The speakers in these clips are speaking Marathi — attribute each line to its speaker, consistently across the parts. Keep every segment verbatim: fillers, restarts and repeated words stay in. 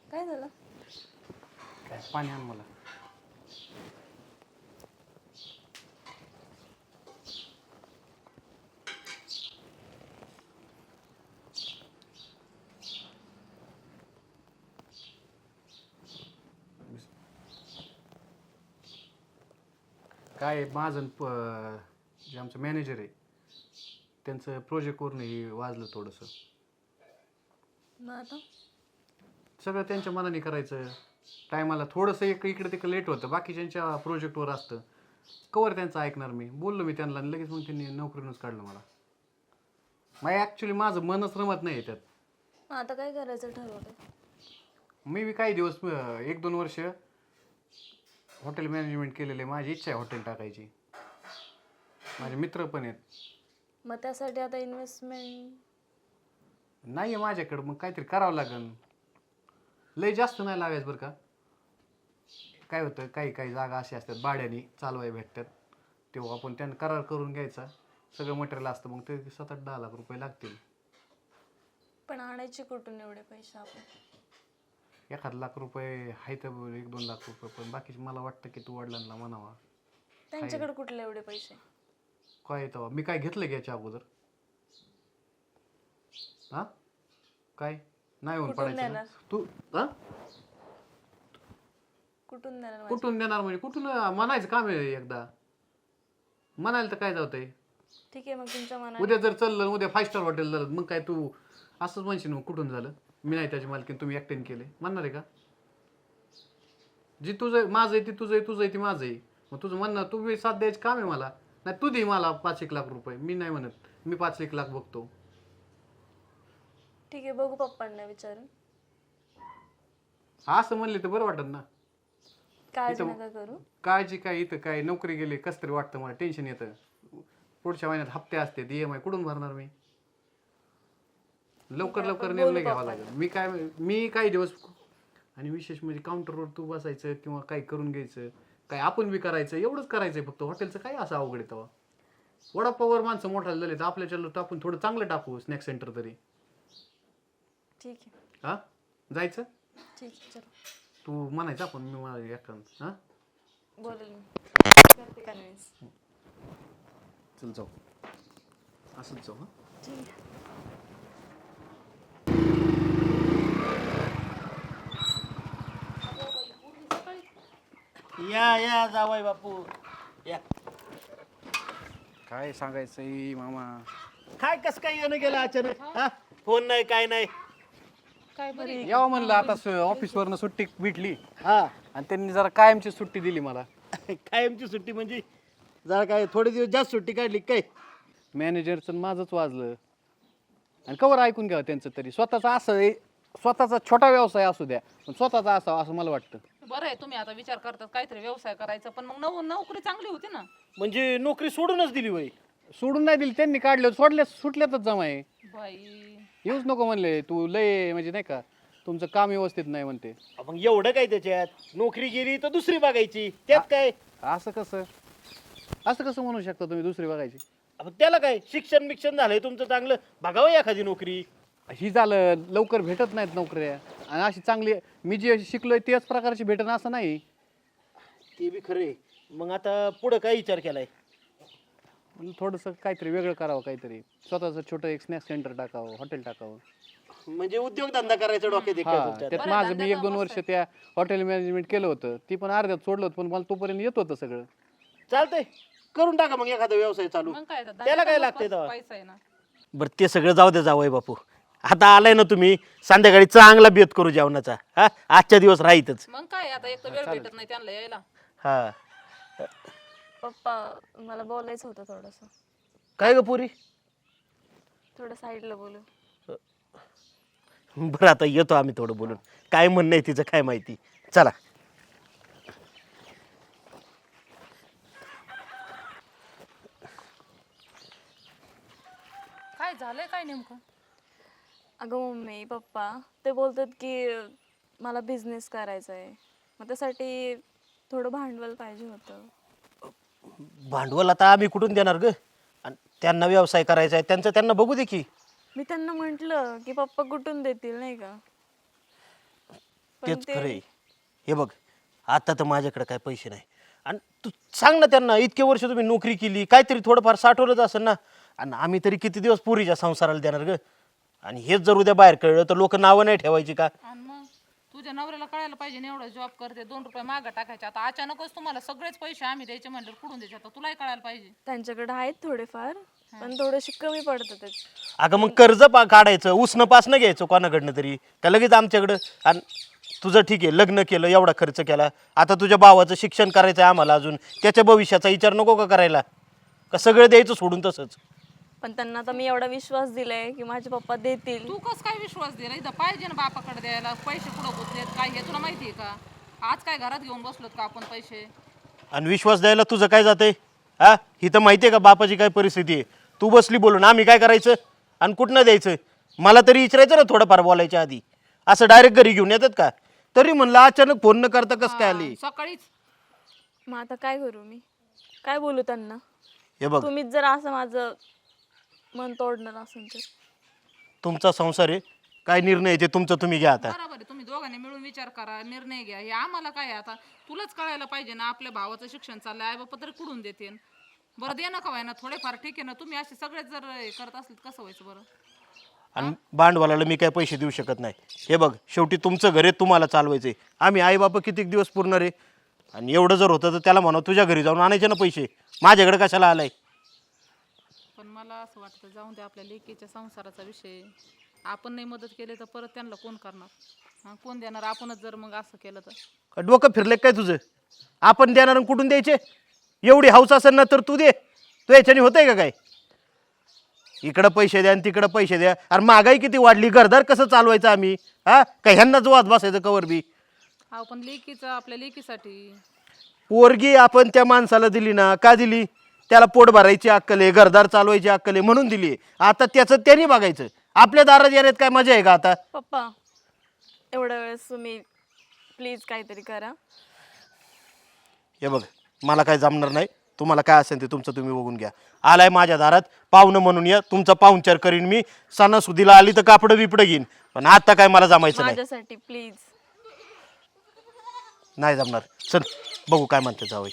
Speaker 1: काय झालं?
Speaker 2: काय पाणी आण मला. काय माझं प- जे आमचं मॅनेजर आहे त्यांचं प्रोजेक्टवरून हे वाजलं थोडंसं.
Speaker 1: मग आता
Speaker 2: सगळं त्यांच्या मनाने करायचं. टायमाला थोडंसं एक इकडे तिकडे लेट होतं, बाकीच्यांच्या प्रोजेक्टवर असतं. कवर त्यांचं ऐकणार मी. बोललो मी त्यांना आणि लगेच मग त्यांनी नोकरीनंच काढलं मला. मग ॲक्च्युली माझं मनच रमत नाही त्यात.
Speaker 1: मग आता काय करायचं ठरवलं?
Speaker 2: मी बी काही दिवस अं, एक दोन वर्ष हॉटेल मॅनेजमेंट केलेलं आहे. माझी इच्छा आहे हॉटेल टाकायची. माझे मित्र पण आहेत.
Speaker 1: मग त्यासाठी आता इन्व्हेस्टमेंट
Speaker 2: नाही आहे माझ्याकडं, मग काहीतरी करावं लागेल. लय जास्त नाही लागायचं बरं का. काय होतं, काही काही जागा अशा असतात भाड्याने चालवाय भेटतात, तेव्हा आपण त्यांना करार करून घ्यायचा. सगळं मटेरियल असतं, मग ते सात आठ दहा लाख रुपये लागतील.
Speaker 1: पण आणायचे कुठून एवढे पैसे आपण?
Speaker 2: एखाद लाख रुपये आहे तर एक दोन लाख रुपये, पण बाकीचे मला वाटतं की तू वडिलांना म्हणावा.
Speaker 1: त्यांच्याकडे कुठले एवढे पैसे?
Speaker 2: काय येतं मी काय घेतलं की याच्या अगोदर? हा काय नाही होऊन
Speaker 1: कुठून
Speaker 2: पडायचं
Speaker 1: देणार?
Speaker 2: ना. तू हा
Speaker 1: कुठून देणार माझे?
Speaker 2: कुठून देणार म्हणजे कुठून म्हणायचं काम आहे एकदा. म्हणायला तर काय जातंय.
Speaker 1: ठीक आहे, मग तुमच्या मनात.
Speaker 2: उद्या जर चाललं उद्या फाय स्टार हॉटेल झालं, मग काय तू असंच म्हणशील मग कुठून झालं, मी नाही त्याची मालकीन तुम्ही एकट्याने केले म्हणणार आहे का? जी तुझं माझं आहे ती तुझं आहे, तुझं आहे ती माझं आहे. मग तुझं म्हणणं तू बी साथ द्यायचं काम आहे मला. नाही तू दे मला पाच एक लाख रुपये. मी नाही म्हणत मी पाच एक लाख बघतो.
Speaker 1: ठीक आहे, बघू पप्पांना विचारून.
Speaker 2: असं म्हणले तर बरं वाटत ना.
Speaker 1: काळजी
Speaker 2: इथं-
Speaker 1: नका करू.
Speaker 2: काळजी काय, इथं काय नोकरी गेली कसं तरी वाटतं मला. टेन्शन येतं. पुढच्या महिन्यात हप्ते असते, ई एम आय कुठून भरणार मी? लवकर
Speaker 1: आहे,
Speaker 2: लवकर
Speaker 1: आपण
Speaker 2: निर्णय
Speaker 1: बोलू
Speaker 2: घ्यावा
Speaker 1: पप्पांना.
Speaker 2: लागेल. मी काय मी काही दिवस आणि विशेष म्हणजे काउंटरवर तू बसायचं किंवा काही करून घ्यायचं, काय आपण बी करायचं, एवढंच करायचंय फक्त. हॉटेलचं काय असं अवघड आहे तेव्हा. वडापावर माणसं मोठाले झाले तर आपल्याच्याला तर आपण थोडं चांगलं टाकू स्नॅक सेंटर तरी.
Speaker 1: ठीक आहे,
Speaker 2: हा जायचं
Speaker 1: ठीक आहे, चलो.
Speaker 2: तू म्हणायचं आपण मी मला एकांत हा
Speaker 1: बोलेल मी. करते कन्व्हिन्स.
Speaker 2: चल जाऊ असंच जाऊ. हा
Speaker 1: ठीक आहे.
Speaker 3: या या जावाय बापू या.
Speaker 2: काय सांगायचंय मामा.
Speaker 3: काय कस काय येणं गेलं अचानक? हा फोन नाही काय नाही.
Speaker 1: काय बरं?
Speaker 2: यावं म्हणलं आता ऑफिसवरनं सुट्टी भेटली
Speaker 3: हा
Speaker 2: आणि त्यांनी जरा कायमची सुट्टी दिली मला.
Speaker 3: कायमची सुट्टी म्हणजे जरा काय थोडे दिवस जास्त सुट्टी काढली काय?
Speaker 2: मॅनेजरचं माझंच वाजलं. आणि कवर ऐकून घ्यावं त्यांचं तरी. स्वतःचा असं आहे, स्वतःचा छोटा व्यवसाय असू द्या पण स्वतःचा असावा असं मला वाटतं.
Speaker 4: बरं आहे तुम्ही आता विचार करतात काहीतरी व्यवसाय करायचा, पण मग नव नोकरी चांगली होती ना.
Speaker 3: म्हणजे नोकरी सोडूनच दिली वय?
Speaker 2: सोडून नाही दिली त्यांनी, काढलं सोडल्या सुटल्यातच जमाय.
Speaker 4: बाई
Speaker 2: येऊच नको म्हणले तू लय म्हणजे नाही का तुमचं काम व्यवस्थित नाही म्हणते.
Speaker 3: मग एवढं काय त्याच्यात? नोकरी गेली तर दुसरी बघायची त्यात काय?
Speaker 2: असं कसं असं कसं म्हणू शकता तुम्ही दुसरी बघायची?
Speaker 3: आपण त्याला काय शिक्षण बिक्षण झालंय तुमचं चांगलं, बघावं एखादी नोकरी.
Speaker 2: ही झालं लवकर भेटत नाहीत नोकऱ्या. आणि अशी चांगली मी जे शिकलोय त्याच प्रकारची भेटन असं नाही.
Speaker 3: ते बी खरे. मग आता पुढं काय विचार केलाय?
Speaker 2: म्हणून थोडंसं काहीतरी वेगळं करावं, काहीतरी स्वतःचं छोटं एक स्नॅक सेंटर टाकावं, हॉटेल टाकावं.
Speaker 3: म्हणजे उद्योगधंदा करायचा डोक्यात आहे काय
Speaker 2: हा
Speaker 3: तुमच्या?
Speaker 2: त्यात माझं मी एक दोन वर्ष त्या हॉटेल मॅनेजमेंट केलं होतं, ती पण अर्ध्यात सोडलं होतं, पण मला तोपर्यंत येत होतं सगळं.
Speaker 3: चालतंय करून टाका मग एखादा व्यवसाय चालू.
Speaker 4: मग काय आता,
Speaker 3: त्याला काय
Speaker 4: धंद्याचा
Speaker 3: लागतंय तेव्हा?
Speaker 4: पैसा आहे ना.
Speaker 3: बरं ते सगळं जाऊ दे जावई बापू. आता आलाय ना तुम्ही, संध्याकाळी चांगला बेत करू जेवणाचा. हा आजच्या दिवस राहीतच.
Speaker 4: मग काय आता, एक तर वेळ भेटत नाही त्यांना यायला.
Speaker 3: हा
Speaker 1: पप्पा मला बोलायचं होतं थोडंसं.
Speaker 3: काय ग पुरी?
Speaker 1: थोडं साईडला बोलू.
Speaker 3: बरं आता येतो आम्ही थोडं बोलून. काय म्हणणं आहे तिचं काय माहिती. चला.
Speaker 4: काय झालंय काय नेमकं?
Speaker 1: अगं मम्मी पप्पा ते बोलतात की मला बिझनेस करायचा आहे, मग त्यासाठी थोडं भांडवल पाहिजे होतं.
Speaker 3: भांडवल आता आम्ही कुठून देणार ग? आणि त्यांना व्यवसाय करायचा आहे त्यांचं त्यांना बघू दे की.
Speaker 1: मी त्यांना म्हटलं की पप्पा कुठून देतील नाही का.
Speaker 3: तेच
Speaker 1: ते-
Speaker 3: खरंय. हे बघ आता तर माझ्याकडे काय पैसे नाही आणि तू सांग ना त्यांना इतके वर्ष तुम्ही नोकरी केली काहीतरी थोडंफार साठवलंच असेल ना आणि आम्ही तरी किती दिवस पुरीच्या संसाराला देणार ग आणि हेच जर उद्या बाहेर कळलं तर लोक नावं नाही ठेवायची का
Speaker 4: आणि मग तुझ्या नवऱ्याला कळायला पाहिजे ना एवढं जॉब करते दोन रुपये मागं टाकायचे आता अचानकच तुम्हाला सगळेच पैसे आम्ही द्यायचे म्हणलं कुठून द्यायचे आता तुलाही कळायला पाहिजे.
Speaker 1: त्यांच्याकडे आहेत थोडेफार पण थोडेसे कमी पडतात ते.
Speaker 3: अगं मग कर्ज पा काढायचं उसनं पासनं घ्यायचं कोणाकडनं तरी का लगेच आमच्याकडं आणि तुझं ठीक आहे लग्न केलं एवढा खर्च केला आता तुझ्या भावाचं शिक्षण करायचं आहे आम्हाला अजून त्याच्या भविष्याचा विचार नको का करायला का सगळं द्यायचं सोडून तसंच.
Speaker 1: पण त्यांना आता मी एवढा विश्वास दिलाय की माझे पप्पा देतील.
Speaker 4: तू कस काय विश्वास दिला इथं पाहिजे ना बापाकडे द्यायला पैसे कुठं गुतलेत काय हे तुला माहिती आहे का? आज काय घरात घेऊन बसलोत का आपण पैसे?
Speaker 3: आणि विश्वास द्यायला तुझं काय जातंय हा ही तर माहिती आहे का बापाची काय परिस्थिती आहे तू बसली बोलून आम्ही काय करायचं आणि कुठनं द्यायचं मला तरी विचारायचं ना थोडंफार बोलायच्या आधी असं डायरेक्ट घरी घेऊन येतात का तरी म्हणलं अचानक फोन न करता कसं काय आली.
Speaker 4: सकाळीच
Speaker 1: मग आता काय करू मी काय बोलू त्यांना.
Speaker 3: हे बघ
Speaker 1: तुम्हीच जर असं माझं मन तोडणार असेल तर.
Speaker 3: तुमचा संसार आहे काय निर्णय आहे ते तुमचं तुम्ही घ्या आता.
Speaker 4: बरोबर आहे तुम्ही दोघांनी मिळून विचार करा निर्णय घ्या हे आम्हाला काय आहे आता तुलाच कळायला पाहिजे ना आपल्या भावाचं शिक्षण चाललंय आई बापा तरी कुठून देते बरं दे ना का ना थोडेफार ठीक आहे ना तुम्ही असे सगळेच जर हे करत असले कसं व्हायचं बरं.
Speaker 3: आणि भांडवलाला मी काय पैसे देऊ शकत नाही. हे बघ शेवटी तुमचं घर आहे तुम्हाला चालवायचंय आम्ही आई बापा किती दिवस पुरणार आहे आणि एवढं जर होतं तर त्याला म्हणा तुझ्या घरी जाऊन आणायचे ना पैसे माझ्याकडे कशाला आलाय.
Speaker 4: पण मला असं वाटतं जाऊन दे आपल्या लेकीच्या संसाराचा विषय आपण नाही मदत केली तर परत त्यांना कोण करणार हा, कोण देणार आपणच जर मग असं केलं तर.
Speaker 3: का डोकं फिरले काय तुझं आपण देणार आणि कुठून द्यायचे एवढी हौस असेल ना तर तू दे तू याच्याने होतंय का काय इकडं पैसे द्या आणि तिकडं पैसे द्या अरे महागाई किती वाढली घरदार कसं चालवायचं आम्ही हा का ह्यांनाच वाद बसायचं कवर बी.
Speaker 4: हा पण लेकीचं आपल्या लेकीसाठी
Speaker 3: पोरगी आपण त्या माणसाला दिली ना का दिली त्याला पोट भरायची अक्कल आहे घरदार चालवायची अक्कल आहे म्हणून दिली आता त्याचं त्यांनी बघायचं आपल्या दारात येण्यात काय मजा आहे का आता.
Speaker 1: पप्पा एवढ्या वेळेस तुम्ही प्लीज काहीतरी करा.
Speaker 3: हे बघ मला काय जमणार नाही तुम्हाला काय असेल ते तुमचं तुम्ही बघून घ्या आलाय माझ्या दारात पाहुणं म्हणून या तुमचा पाहुणचार करीन मी सणासुदीला आली तर कापडं बिपडं घेईन पण आता काय मला जमायचं नाही
Speaker 1: माझ्यासाठी प्लीज.
Speaker 3: नाही जमणार चल बघू काय म्हणते जावई.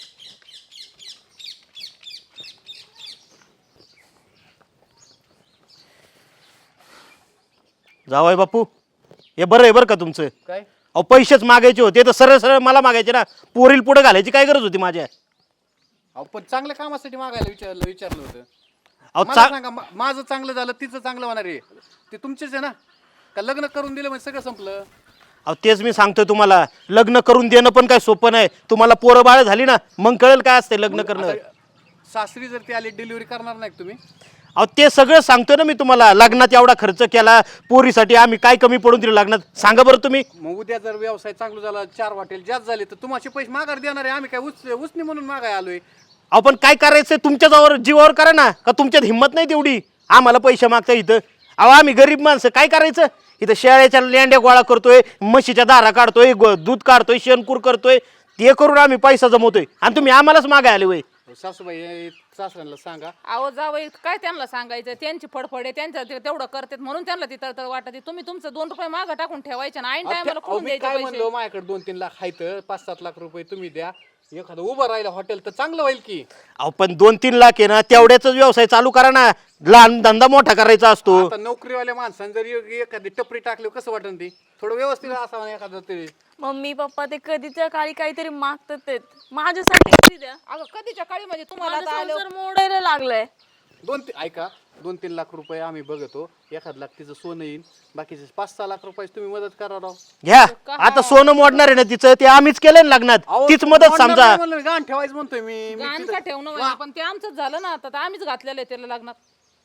Speaker 3: जावई बापू हे बरं आहे बरं का तुमचं
Speaker 2: काय
Speaker 3: अहो पैसेच मागायचे होते तर सरळ सरळ मला मागायचे ना पोरील पुढे घालायची काय गरज होती माझ्या.
Speaker 2: अहो पण चांगल्या कामासाठी मागायला विचारलं विचारलं होतं.
Speaker 3: अहो
Speaker 2: मला
Speaker 3: चा
Speaker 2: सांगा मा- माझं चांगलं झालं तिचं चांगलं होणार आहे ते तुमचेच आहे ना का लग्न करून दिलं म्हणजे सगळं संपलं.
Speaker 3: अहो तेच मी सांगतोय तुम्हाला लग्न करून देणं पण काय सोपं नाही तुम्हाला पोरं बाळ झाली ना मग कळेल काय असते लग्न करणं.
Speaker 2: आता सासरी जर ती आली डिलिव्हरी करणार नाही का तुम्ही.
Speaker 3: अहो ते सगळं सांगतोय ना मी तुम्हाला लग्नात एवढा खर्च केला पोरीसाठी आम्ही काय कमी पडून दिलं लग्नात सांगा बरं तुम्ही.
Speaker 2: मग उद्या जर व्यवसाय चांगला झाला चार हॉटेल जास्त झाले तर तुम्हाला पैसे माघार देणार आहे आम्ही काय उच उसनी म्हणून मागाय आलोय.
Speaker 3: अहो पण काय करायचंय तुमच्या जवळ जीवावर करा ना का तुमच्यात हिंमत नाही तेवढी आम्हाला पैसे मागता इथं. अहो आम्ही गरीब माणसं काय करायचं इथं शेळ्याच्या लेंड्या गोळा करतोय म्हशीच्या दारा काढतोय ग- दूध काढतोय शेणकूर करतोय ते करून आम्ही पैसा जमवतोय आणि तुम्ही आम्हालाच मागाय आले वय.
Speaker 2: सासूबाई हे सासऱ्यांना सांगा.
Speaker 4: अहो जावई काय त्यांना सांगायचं त्यांची फडफड आहे त्यांचं ते तेवढं करतात म्हणून त्यांना ती तळतळ वाटते तुम्ही तुमचं दोन रुपये मागं टाकून ठेवायचे ना ऐन टायमाला
Speaker 2: अहो,
Speaker 4: कुठून
Speaker 2: मी
Speaker 4: द्यायचे
Speaker 2: काय
Speaker 4: पैसे.
Speaker 2: म्हणलो माझ्याकडे दोन तीन लाख आहेत पाच सात लाख रुपये तुम्ही द्या एखादं उभं राहिलं हॉटेल तर चांगलं होईल की.
Speaker 3: अहो पण दोन तीन लाख आहे ना तेवढ्याच व्यवसाय चालू करा ना लहान धंदा मोठा करायचा असतो.
Speaker 2: आता नोकरीवाल्या माणसाने जर ए- एखादी टपरी टाकली कसं वाटन ती थोडं व्यवस्थित असावं ना एखादं तरी.
Speaker 1: मम्मी पप्पा ते कधीच्या काळी काहीतरी मागतात ते माझ्यासाठी तरी द्या.
Speaker 4: अगं कधीच्या काळी म्हणजे तुम्हाला
Speaker 1: माझा
Speaker 4: आता आलं
Speaker 1: संसार मोडायला लागलाय.
Speaker 2: दोन ती- ऐका दोन तीन लाख रुपये आम्ही बघतो एखाद लाख तिचं सोनं येईल बाकीचे पाच सहा लाख रुपये तुम्ही मदत करा राव.
Speaker 3: घ्या आता सोनं मोडणार आहे ना तिचं ते आम्हीच केलंय ना लग्नात
Speaker 2: अहो,
Speaker 3: तीच
Speaker 2: तुम्ही
Speaker 3: मदत
Speaker 2: म्हणणार
Speaker 3: समजा.
Speaker 2: नाही म्हणलं मी, गाण ठेवायचं म्हणतोय मी मी
Speaker 4: गाण
Speaker 2: तिथं-
Speaker 4: का ठेवणं म्हणजे पण ते आमचंच झालं ना आता तर आम्हीच घातलेलं आहे त्याला लग्नात.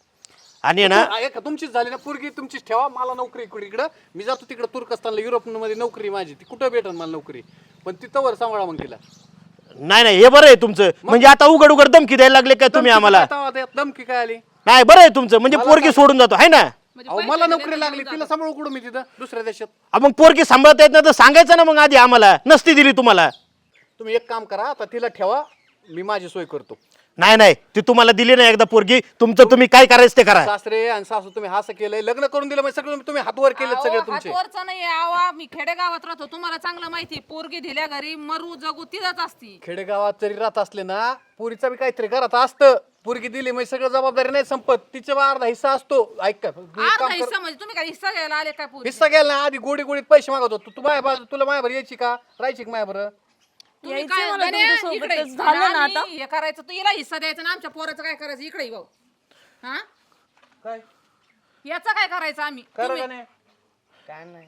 Speaker 3: आणि ना
Speaker 2: तू- ऐका तुमचीच झाली ना पोरगी तुमचीच ठेवा मला नोकरी इकडे इकडं मी जातो तिकडे तुर्कस्तानला युरोप मध्ये नोकरी माझी ती कुठं भेटल मला नोकरी पण ती तवर सांभाळा मग तिला.
Speaker 3: नाही नाही हे बरं आहे तुमचं म्हणजे आता उघड उघड धमकी द्यायला लागले काय तुम्ही
Speaker 2: धमकी
Speaker 3: आम्हाला.
Speaker 2: काय तेव्हा धमकी काय आली.
Speaker 3: नाही बरं आहे तुमचं म्हणजे पोरगी सोडून जातो आहे ना.
Speaker 4: म्हणजे
Speaker 2: अहो
Speaker 4: पैसे
Speaker 2: मला
Speaker 4: दिले
Speaker 2: नोकरी
Speaker 4: तर
Speaker 2: लागली
Speaker 4: घेऊन
Speaker 2: तिला
Speaker 4: जातात.
Speaker 2: सांभाळू कुठं मी तिथं दुसऱ्या देशात.
Speaker 3: अहो, मग पोरगी सांभाळता येत नाही तर सांगायचं ना मग आधी आम्हाला नसती दिली तुम्हाला.
Speaker 2: तुम्ही एक काम करा आता तिला ठेवा मी माझी सोय करतो.
Speaker 3: नाही नाही ती तुम्हाला दिली नाही एकदा पोरगी, तुमचं तुम्ही काय करायचं ते करा.
Speaker 2: सासरे आणि सासू तुम्ही असं केलंय, लग्न करून दिलं म्हणजे सगळं तुम्ही हातवर केले सगळे तुमचे.
Speaker 4: हातवरचं नाही आवा, मी खेडेगावात राहतो, तुम्हाला चांगलं माहिती. पोरगी दिल्या घरी मरू जगू तिथंच असती.
Speaker 2: खेडेगावात जरी राहत असले ना, पुरीचा बी काहीतरी घरात असतं. पोरगी दिली म्हणजे सगळं जबाबदारी नाही संपत, तिचा अर्धा हिस्सा असतो. ऐक का, तू एक
Speaker 4: अर्धा
Speaker 2: काम कर.
Speaker 4: हिस्सा म्हणजे तुम्ही काय हिस्सा घ्यायला आले काय पोरी?
Speaker 2: हिस्सा घ्यायला ना, आधी गोडी गोडीत पैसे मागवतो. तू तू माझ्या बाजू तुला माझ्यावर यायची का, राहायची का माझ्यावर?
Speaker 4: तुम्ही
Speaker 1: यायचंय
Speaker 4: काय
Speaker 1: मला
Speaker 4: गण्या,
Speaker 1: तुमच्यासोबतच.
Speaker 4: इकडे ये.
Speaker 1: झालं ना
Speaker 4: आम्ही
Speaker 1: आता?
Speaker 4: हे करायचं, तू हिला हिस्सा द्यायचा ना, आमच्या पोराचं काय करायचं? इकडे ये भाऊ. हा,
Speaker 2: काय
Speaker 4: याचा काय करायचं आम्ही?
Speaker 2: करा
Speaker 4: तुम्ही-
Speaker 2: का नाही? काय नाही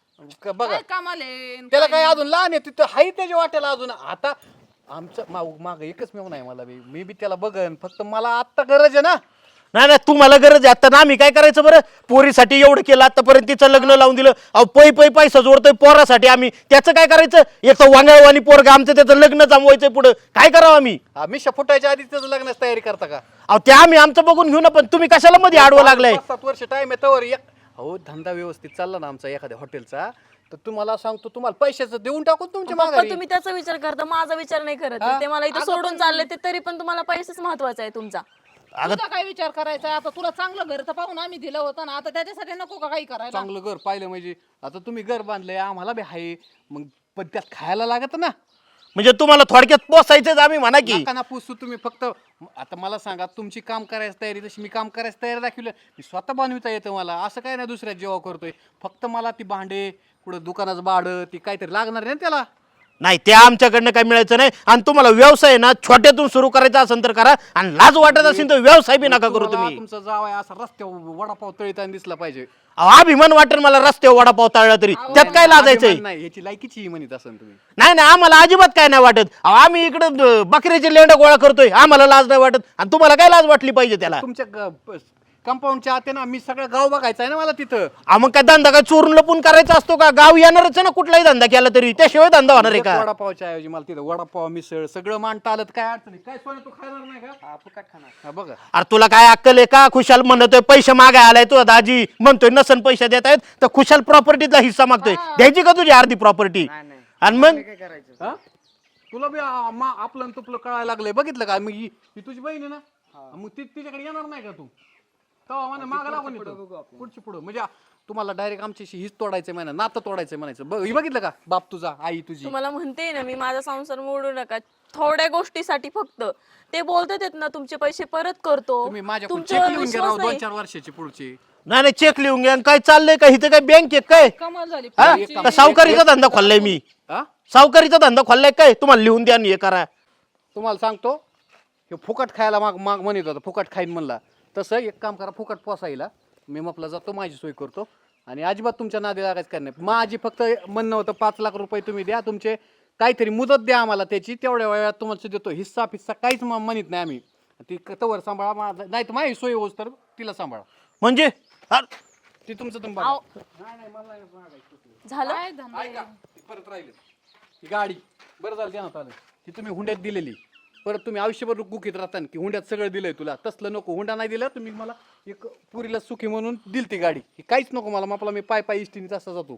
Speaker 2: क- बघा
Speaker 4: काय कामाला आहे?
Speaker 2: त्याला काय अजून लहान आहे, तिथं हाय त्याच्या वाट्याला अजून. आता आमचं माग माग एकच मेव नाही मला बी, मी बी त्याला बघन, फक्त मला आत्ता गरज आहे ना.
Speaker 3: नाही नाही तुम्हाला गरज आहे आता ना, आम्ही काय करायचं बरं? पोरीसाठी एवढं केलं आतापर्यंत, तिचं लग्न लावून दिलं. अहो पै पै पैसा जोडतोय पोरासाठी आम्ही, त्याचं काय करायचं? एक तर वांगळवाणी पोरगा आमचं, त्याचं लग्न जमवायचंय पुढं, काय करावं आम्ही?
Speaker 2: हा, मिशा फुटायच्या आधी त्याचं लग्नाची तयारी करता का?
Speaker 3: अहो ते आम्ही आमचं बघून घेऊ ना, पण तुम्ही कशाला मध्ये आडवं लागलाय?
Speaker 2: पाच सात वर्ष टाइम आहे तवर एक अहो धंदा व्यवस्थित चालला ना आमचा एखाद्या हॉटेलचा, तर तुम्हाला सांगतो, तुम्हाला पैशाचं देऊन टाकून तुमच्या
Speaker 1: पप्पा
Speaker 2: माघारी.
Speaker 1: तुम्ही त्याचा विचार करता, माझा विचार नाही करत.
Speaker 2: हा?
Speaker 1: ते मला इथं सोडून चालले ते, तरी पण तुम्हाला पैसेच महत्वाचा आहे तुमचा.
Speaker 4: तुझा काय विचार करायचा? आता तुला चांगलं घर तर पाहून आम्ही दिलं होतं ना, आता त्याच्यासाठी नको का काही करायला?
Speaker 2: चांगलं घर पाहिलं म्हणजे आता तुम्ही घर बांधलंय, आम्हाला बी आहे, मग पण त्यात खायला लागत ना.
Speaker 3: म्हणजे तुम्हाला थोडक्यात पोसायचंच आम्ही म्हणा की.
Speaker 2: नका ना पुसू तुम्ही. फक्त आता मला सांगा, तुमची काम करायची तयारी तशी मी काम करायची तयारी दाखवलं, मी स्वतः बनविता येतं मला, असं काय नाही दुसऱ्या जेव्हा करतोय. फक्त मला ती भांडे, कुठं दुकानाचं भाडं, ती काहीतरी लागणार आहे ना त्याला.
Speaker 3: नाही ते आमच्याकडनं काय मिळायचं नाही. आणि तुम्हाला व्यवसाय ना छोट्यातून सुरू करायचा असेल तर करा, आणि लाज वाटत असेल तर व्यवसाय बी नका करू
Speaker 2: तुम्हाला
Speaker 3: तुम्ही.
Speaker 2: तुमचा जावाय असा रस्त्यावर वडापाव तळीताना दिसला पाहिजे.
Speaker 3: अहो, अभिमान वाटेल मला रस्त्यावर वडापाव तळला तरी, त्यात काय लाजायचंय?
Speaker 2: अभिमान नाही, ह्याची लायकीची म्हणत असेल तुम्ही.
Speaker 3: नाही नाही आम्हाला अजिबात काय नाही वाटत. अहो, आम्ही इकडे बकऱ्याचे लेंड गोळा करतोय, आम्हाला लाज नाही वाटत, आणि तुम्हाला काय लाज वाटली पाहिजे त्याला?
Speaker 2: तुमच्या कंपाऊंडच्या आते ना, मी सगळं गाव बघायचं आहे ना मला तिथं.
Speaker 3: अहो, मग काय धंदा काय चोरून लपून करायचा असतो का? गाव येणारच आहे ना कुठलाही धंदा केला तरी, त्याशिवाय धंदा होणार आहे
Speaker 2: एक
Speaker 3: का?
Speaker 2: वडापावच्या ऐवजी मला तिथं वडापाव, मिसळ सगळं मांडता आलं तर काय अडचण नाही. काय सोनं तू खाणार नाही का? हा, फुकट खाणार. हा बघा,
Speaker 3: अरे तुला काय अक्कल आहे का? खुशाल म्हणतोय पैसे मागाय आलाय तुझा दाजी, म्हणतोय नसन पैसे देत आहेत तर खुशाल प्रॉपर्टीचा हिस्सा मागतोय, द्यायची का तुझी अर्धी प्रॉपर्टी? आणि मग
Speaker 2: हा? तुला बी आ- मा- आपलं आणि तुपलं कळायला लागलंय, बघितलं का? मग ही ही तुझी बहीण आहे ना, मग ती तिच्याकडे येणार नाही का तू? तेव्हा म्हणे मागं लागून येतो. पुढची पुढं म्हणजे तुम्हाला डायरेक्ट आमच्याशी हीच तोडायचं म्हणा, नातं तोडायचं म्हणायचं. बघ, ही बघितलं का? बाप तुझा, आई तुझी.
Speaker 1: तुम्हाला म्हणते ना मी, माझा संसार मोडू नका थोड्या गोष्टीसाठी फक्त. ते बोलतात ना तुमचे पैसे परत करतो,
Speaker 2: तुम्ही माझ्याकडून
Speaker 1: तुमच्यावर
Speaker 2: चेक लिहून घ्या राव,
Speaker 1: विश्वास
Speaker 2: दोन
Speaker 1: नाही.
Speaker 2: चार वर्षाची पुढची.
Speaker 3: नाही नाही चेक लिहून घ्या. आणि काय चाललंय का इथं? काय बँक आहे काय?
Speaker 4: कमाल झाली.
Speaker 3: हा?
Speaker 4: पोरीची.
Speaker 3: का सावकारीचा धंदा खोललाय मी?
Speaker 2: हा?
Speaker 3: सावकारीचा धंदा खोललाय काय? तुम्हाला लिहून द्या आणि हे करा.
Speaker 2: तुम्हाला सांगतो, हे फुकट खायला माग माग म्हणत होता, फुकट खाईन म्हणला. तसं एक काम करा, फुकट पोसायला मी मपला जातो, माझी सोय करतो, आणि अजिबात तुमच्या नादी लागायचं काय नाही. माझी फक्त म्हणणं होतं, पाच लाख रुपये तुम्ही द्या, तुमचे काहीतरी मुदत द्या आम्हाला त्याची, तेवढ्या वेळात तुम्हाला देतो. हिस्सा फिस्सा काहीच म- म्हणत नाही आम्ही. ती तवर सांभाळा, माझा नाही तर माझी सोय होस तर तिला सांभाळा.
Speaker 3: म्हणजे अरे,
Speaker 2: ती तुमचं तुम्ही बघा.
Speaker 1: आव,
Speaker 2: नाही नाही मला नाही मागायचं.
Speaker 1: झालं
Speaker 4: काय धंदा आहे?
Speaker 2: ऐका, ती परत राहिली ही गाडी, बरं झालं देण्यात आलं. ती तुम्ही हुंड्यात दिलेली, परत तुम्ही आयुष्यभर गुकीत राहता की हुंड्यात सगळं दिलंय तुला. तसलं नको, हुंडा नाही दिला तुम्ही मला. एक पुरीला सुखी म्हणून दिली ती गाडी, ही काहीच नको मला. मापला मी पाय पाय इष्टीने तसा जातो.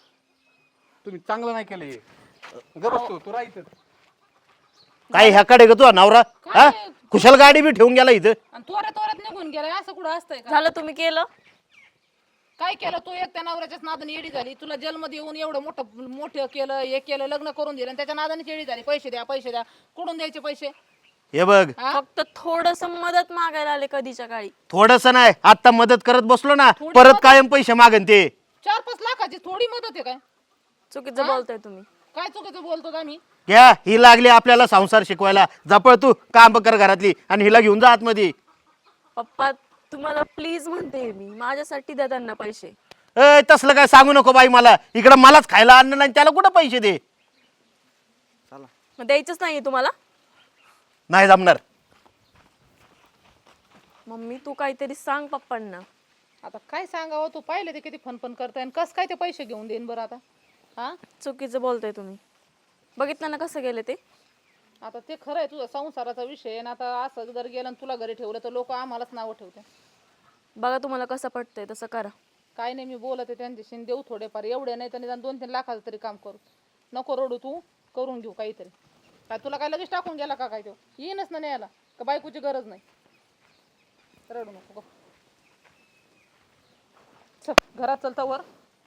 Speaker 2: तुम्ही चांगलं नाही केलं हे. गरजतो तू राहायचं.
Speaker 3: काय ह्याकडे का तुझा नवरा? हा खुशाल गाडी बी ठेवून गेला इथं.
Speaker 4: आणि तोऱ्या तोऱ्यात निघून गेलाय, असं कुठं असतंय का?
Speaker 1: झालं तुम्ही केलं.
Speaker 4: काय केलं तू? एक त्या नवऱ्याच्याच नादाने येडी झाली. तुला जन्ममध्ये येऊन एवढं मोठं मोठं केलं, हे केलं, लग्न करून दिलं, आणि त्याच्या नादाने येडी झाली. पैसे द्या, पैसे द्या. कुठून द्यायचे पैसे?
Speaker 3: हे बघ,
Speaker 4: हा?
Speaker 1: फक्त थोडस मदत मागायला आले कधीच्या काळी.
Speaker 3: थोडस नाही, आता मदत करत बसलो ना, परत कायम पैसे मागन ते.
Speaker 4: चार पाच लाखाची थोडी मदत आहे काय?
Speaker 1: चुकीचं बोलताय तुम्ही.
Speaker 4: काय चुकीचं बोलतो आम्ही?
Speaker 3: घ्या, ही लागली आपल्याला संसार शिकवायला. जपळ तू काम कर घरातली, आणि हिला घेऊन जा आतमध्ये.
Speaker 1: पप्पा तुम्हाला प्लीज म्हणते मी, माझ्यासाठी द्या त्यांना पैसे.
Speaker 3: ए तसलं काय सांगू नको बाई मला. इकडं मलाच खायला अन्न नाही, त्याला कुठं पैसे दे?
Speaker 1: मग द्यायचंच नाहीये तुम्हाला?
Speaker 3: नाही जमणार.
Speaker 1: मम्मी तू काहीतरी सांग पप्पांना.
Speaker 4: आता काय सांगावं? तू पाहिलं ते किती फनफन करताय, आणि कस काय ते पैसे घेऊन देईन बरं आता? हा,
Speaker 1: चुकीचं बोलताय तुम्ही. बघितलं ना कसं गेले ते.
Speaker 4: आता ते खरं आहे, तुझा संसाराचा विषय आहे, आणि आता असं जर गेलं आणि तुला घरी ठेवलं तर लोक आम्हालाच नावं ठेवते.
Speaker 1: बघा तुम्हाला कसं पटतंय तसं करा.
Speaker 4: काय नाही, मी बोलत आहे त्यांच्याशी, देऊ थोडेफार, एवढे नाही तर निदान दोन तीन लाखाचं तरी काम करू. नको रडू तू, करून घेऊ काहीतरी. काय तुला काय लगेच टाकून गेला का काय? तो येईनच ना न्यायला. का बायकोची गरज नाही? रडू नको गप. चल घरात चलता वर.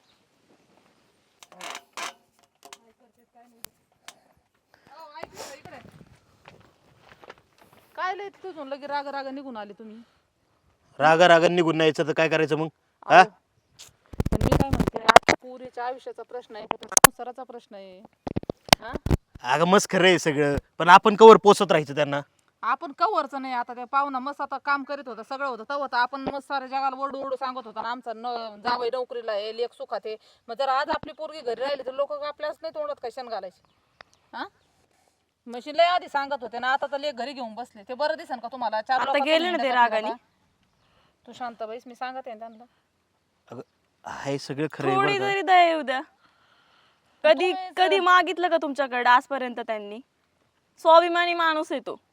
Speaker 4: काय लय तुझून लगे राग राग निघून आले तुम्ही?
Speaker 3: रागा रागा निघून नाही यायचं तर काय करायचं मग? हा
Speaker 4: अहो, पण मी काय म्हणते, आता पोरीच्या आयुष्याचा प्रश्न आहे, का संसाराचा प्रश्न आहे? हा?
Speaker 3: अगं मस्त खरं आहे सगळं, पण आपण कवर पोचत राहायचं त्यांना.
Speaker 4: आपण कवरचं नाही. आता त्या पाहुणा मस्त आता काम करीत होता, सगळं होतं तेव्हा तर आपण मस्त साऱ्या जगाला ओरडू ओरडू सांगत होता ना, आमचा न जावई नोकरीला आहे, लेख सुखात आहे. मग जर आज आपली पोरगी घरी राहिली तर लोक आपल्याच नाही तोंडात काय शेण घालायचे? हा मशीन लय आधी सांगत होते ना, आता तर लेख घरी घेऊन बसले. ते बरं दिसेल का तुम्हाला? चार
Speaker 1: आता
Speaker 4: लोकांचं
Speaker 1: गेले ना ते
Speaker 4: म्हणणं
Speaker 1: रागाने.
Speaker 4: का? तू शांत बैस, मी सांगत आहे त्यांना.
Speaker 3: अगं हे सगळं खरं आहे
Speaker 1: थोडी
Speaker 3: बरं का.
Speaker 1: तरी दया येऊ द्या. कधी कधी मागितलं का तुमच्याकडे आजपर्यंत त्यांनी? स्वाभिमानी माणूस आहे तो.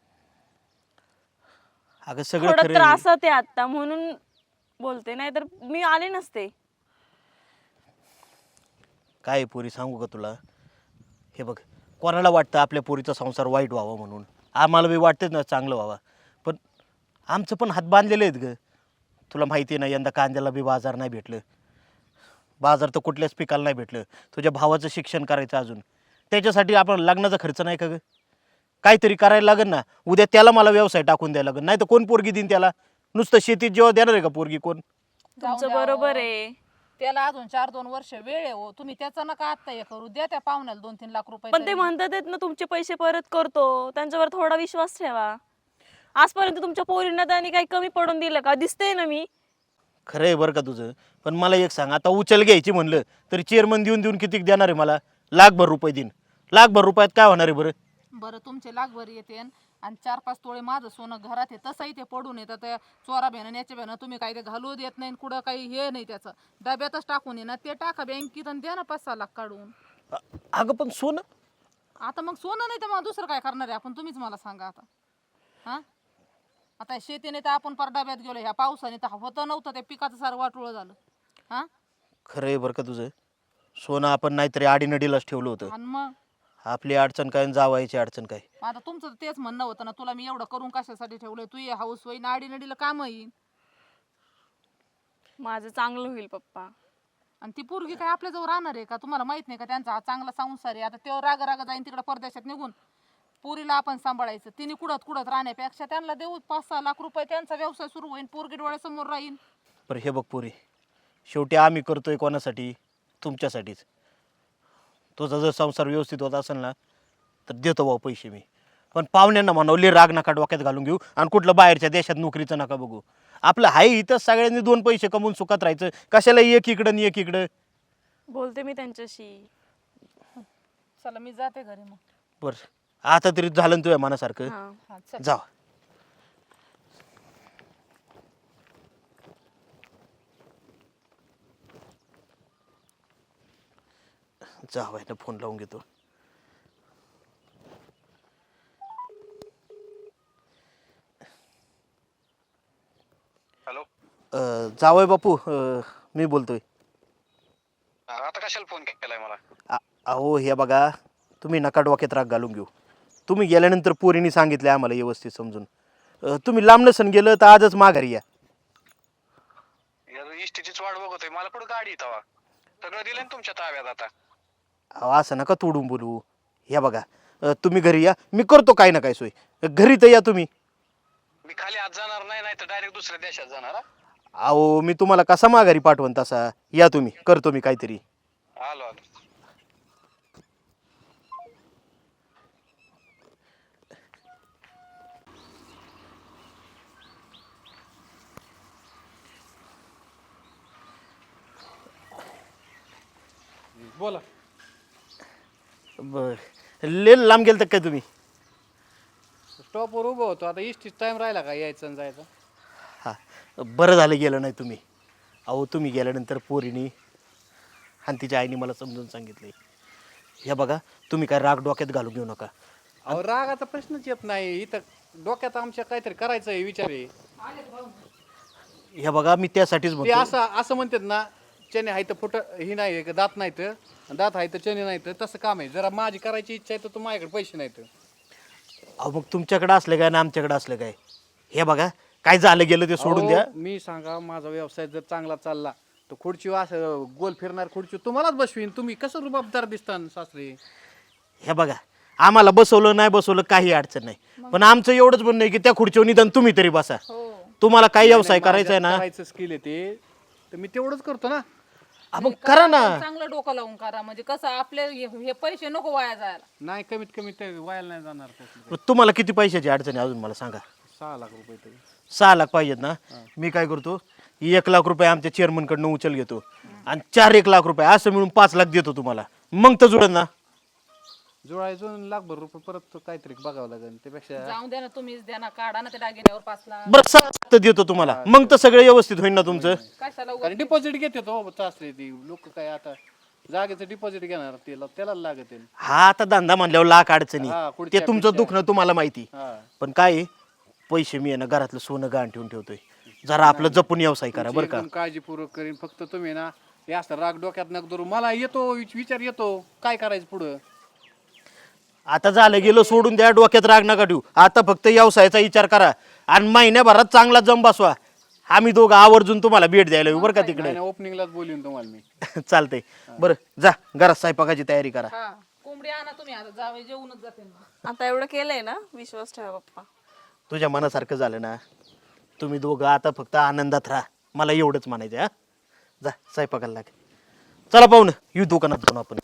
Speaker 3: अगं सगळं
Speaker 1: थोडं
Speaker 3: खरं आहे.
Speaker 1: त्रासात आहे आता म्हणून बोलते, नाही तर मी आले नसते.
Speaker 3: काय आहे पोरी सांगू का तुला? हे बघ, कोणाला वाटतं आपल्या पोरीचा संसार वाईट व्हावा म्हणून? आम्हाला बी वाटतेच ना चांगलं व्हावा, पण आमचं पण हात बांधलेले आहेत ग. तुला माहिती आहे ना, यंदा कांद्याला बी बाजार नाही भेटलं. बाजार तर कुठल्याच पिकाला नाही भेटलं. तुझ्या भावाचं शिक्षण करायचं अजून, त्याच्यासाठी आपण लग्नाचा खर्च नाही का ग? काहीतरी करायला लागेल ना. उद्या त्याला मला व्यवसाय टाकून द्यायला लागेल, नाही तर कोण पोरगी देईन त्याला? नुसतं शेतीत जेव्हा देणार आहे का पोरगी कोण?
Speaker 1: तुमचं बरोबर आहे.
Speaker 4: त्याला अजून चार दोन वर्ष वेळ आहे हो. तुम्ही त्याचं नका आत्ता हे करू द्या त्या पाहुण्याला दोन तीन लाख रुपये
Speaker 1: पण ते
Speaker 4: तरी.
Speaker 1: म्हणतात आहेत ना तुमचे पैसे परत करतो, त्यांच्यावर थोडा विश्वास ठेवा. आजपर्यंत तुमच्या पोरींना त्यांनी काही कमी पडून दिलं का? दिसतंय ना मी.
Speaker 3: खरं आहे बरं का तुझं, पण मला एक सांग, आता उचल घ्यायची म्हणलं तरी चेअरमन देऊन देऊन किती देणार आहे मला? लाखभर रुपये देईन. लाखभर रुपयात काय होणार आहे बरं?
Speaker 4: बरं तुमचे लाखभर येते आणि चार पाच तोळे माझं सोनं घरात आहे, तसंही ते पडून येतं. त्या चोरा भेणं याच्या भेणं तुम्ही काही ते घालू देत नाही, कुठं काही हे नाही, त्याचं डब्यातच टाकून ये ना. ते टाका बँकेत आणि द्या ना पाच सहा लाख काढून.
Speaker 3: अ- अगं पण सोनं.
Speaker 4: आता मग सोनं नाही तर मग दुसरं काय करणार आहे आपण? तुम्हीच मला सांगा आता. हा आता शेतीने तर आपण पर डब्यात गेलो, ह्या पावसाने तर होतं नव्हतं, त्या पिकाचं सारं वाटोळं झालं. हा
Speaker 3: खरं आहे बरं का तुझं. सोनं आपण नाहीतरी आडीनडीलाच ठेवलं होतं.
Speaker 4: आणि मग
Speaker 3: आपली अडचण काय आणि जावायची अडचण काय?
Speaker 4: आता तुमचं तर तेच म्हणणं होतं ना, तुला मी एवढं करून कशासाठी ठेवलंय? तू ये हाऊस होई नाडी नडीला काम येईन.
Speaker 1: माझं चांगलं होईल पप्पा.
Speaker 4: आणि ती पोरगी काय आपल्या जवळ राहणार आहे का? तुम्हाला माहित नाही का त्यांचा हा चांगला संसार आहे? आता तेव्हा रागा रागा जाईन तिकडे परदेशात निघून. पोरीला आपण सांभाळायचं, तिने कुडत कुडत राहण्यापेक्षा त्यांना देऊ पाच सहा लाख रुपये, त्यांचा व्यवसाय सुरू होईल, पोरगी डोळ्यासमोर राहील.
Speaker 3: बरं हे बघ पोरी, शेवटी आम्ही करतोय कोणासाठी? तुमच्यासाठीच. तुझा जर संसार व्यवस्थित होत असेल ना तर देतो भाऊ पैसे मी. पण पाहुण्यांना म्हणवले राग नका डोक्यात घालून घेऊ आणि कुठलं बाहेरच्या देशात नोकरीचं नका बघू. आपलं हाय इथं सगळ्यांनी दोन पैसे कमवून सुखात राहायचं. कशाला एक इकडं आणि एक इकडं?
Speaker 1: बोलते मी त्यांच्याशी.
Speaker 4: चला मी जाते घरी मग.
Speaker 3: बरं आता तरी झालं ना तुझ्या मनासारखं?
Speaker 1: हा.
Speaker 4: हा चल.
Speaker 3: जा. जावायला फोन लावून घेतो.
Speaker 5: हॅलो,
Speaker 3: जावय बापू, अं, मी बोलतोय.
Speaker 5: आता कशाला फोन केलाय मला?
Speaker 3: आ- अहो हे बघा, तुम्ही नका डोक्यात राग घालून घेऊ. तुम्ही गेल्यानंतर पोरीने सांगितले आम्हाला व्यवस्थित समजून. अं, तुम्ही लांब नसन गेलं तर आजच माघारी या.
Speaker 5: यार इष्टीचीच वाट बघतोय, मला कुठं गाडी तवा सगळं दिलं ना तुमच्या ताब्यात आता.
Speaker 3: अहो असं नका तोडून बोलू. हे बघा, अं, तुम्ही घरी या, मी करतो काय ना काय सोय. घरी तर या तुम्ही.
Speaker 5: मी खाली आज जाणार नाही, नाही तर डायरेक्ट दुसऱ्या देशात जाणार. हा?
Speaker 3: अहो मी तुम्हाला कसा माघारी पाठवण तसा. या तुम्ही, करतो मी काहीतरी.
Speaker 5: आलो आलो.
Speaker 2: बोला.
Speaker 3: बर, ले लांब गेल तर काय तुम्ही?
Speaker 2: स्टॉपवर उभं होतो, आता इष्टीच टाइम राहिला का यायचं आणि जायचं?
Speaker 3: हां, बरं झालं गेलं नाही तुम्ही. अहो तुम्ही गेल्यानंतर पोरीनी आणि तिच्या आईने मला समजून सांगितले. हे बघा, तुम्ही काय राग डोक्यात घालून घेऊ नका.
Speaker 2: अहो रागाचा प्रश्नच येत नाही इथं. डोक्यात आमच्या काहीतरी करायचं आहे, विचार आहे.
Speaker 3: हे बघा, मी त्यासाठीच
Speaker 2: ते
Speaker 3: म्हणतो.
Speaker 2: असं असं म्हणतात ना, चणे आहे तर फुट ही नाही का, दात नाही तर दात आहे तर चणे नाही तर तसं काम आहे. जरा माझी करायची इच्छा आहे तर तू माझ्याकडे पैसे नाही तर.
Speaker 3: अहो मग तुमच्याकडे असलं काय ना आमच्याकडे असलं काय? हे बघा काय झालं गेलं ते सोडून द्या.
Speaker 2: अहो, मी सांगा माझा व्यवसाय जर चांगला चालला तर खुर्ची असं गोल फिरणार खुर्ची तुम्हालाच बसवीन. तुम्ही कसं रुबाबदार दिसता सासरे.
Speaker 3: हे बघा आम्हाला बसवलं नाही बसवलं काही अडचण नाही, पण आमचं एवढंच म्हणणं आहे की त्या खुर्चीवर निदान तुम्ही तरी बसा. तुम्हाला काय व्यवसाय करायचा आहे ना
Speaker 2: करायचं स्किल आहे ते तर मी तेवढंच करतो ना.
Speaker 3: हा, मग करा ना.
Speaker 4: चांगलं डोकं लावून करा म्हणजे कसं आपले हे हे पैसे नको वाया जायला.
Speaker 2: नाही कमीत कमी ते व्हायला नाही जाणार त्यातलं.
Speaker 3: तुम्हाला किती पैशाची अडचण आहे अजून मला सांगा.
Speaker 2: सहा लाख रुपये तरी.
Speaker 3: सहा लाख पाहिजेत ना. मी काय करतो एक लाख रुपये आमच्या चेअरमन कडनं उचल घेतो आणि चार एक लाख रुपये असं मिळून पाच लाख देतो तुम्हाला. मग तर जुळत ना.
Speaker 2: जुळायचं लाखभर रुपये परत काहीतरी बघावं लागेल त्यापेक्षा.
Speaker 4: जाऊन द्या ना तुम्हीच द्या ना काढा ना ते दागिन्यावर पाच लाख.
Speaker 3: बरं सहा लाख तर देतो तुम्हाला, मग तर सगळं व्यवस्थित होईल ना तुमचं.
Speaker 4: कशाला उगाच-
Speaker 2: कारण डिपॉझिट घेते तो सासरे ती लोक काय आता जागेचं डिपॉझिट घेणार त्याला त्याला लागत आहे.
Speaker 3: हा आता धंदा म्हणल्यावर लाख अडचणी
Speaker 2: हा,
Speaker 3: ते
Speaker 2: पुढच्या-
Speaker 3: तुमचं
Speaker 2: पुढच्या.
Speaker 3: दुखणं तुम्हाला माहिती.
Speaker 2: हा.
Speaker 3: पण काय आहे, पैसे मी आहे ना घरातलं सोनं गहाण ठेवून ठेवतोय. जरा आपलं जपून व्यवसाय करा बरं का.
Speaker 2: एकदम काळजीपूर्वक करीन. फक्त तुम्ही ना हे असं राग डोक्यात नका धरू. मला येतो विच- विचार येतो काय करायचं पुढं.
Speaker 3: आता झालं गेलं सोडून द्या, डोक्यात राग नका ठेवू. आता फक्त व्यवसायाचा विचार करा आणि महिन्याभरात चांगला जम बसवा. आम्ही दोघं आवर्जून तुम्हाला भेट द्यायला येऊ बरं का तिकडे.
Speaker 2: ओपनिंगलाच बोलून तुम्हाला मी.
Speaker 3: चालतंय. बरं जा घरात स्वयंपाकाची तयारी करा.
Speaker 4: हा कोंबडी आणा तुम्ही आता जावे जेवूनच जाते ना.
Speaker 1: आता एवढं केलंय ना, विश्वास ठेवा पप्पा.
Speaker 3: तुझ्या मनासारखं झालं ना. तुम्ही दोघं आता फक्त आनंदात राहा, मला एवढंच म्हणायचं. हा जा स्वयंपाकाला लाग. चला पाहून येऊ दुकानात जाऊन आपण.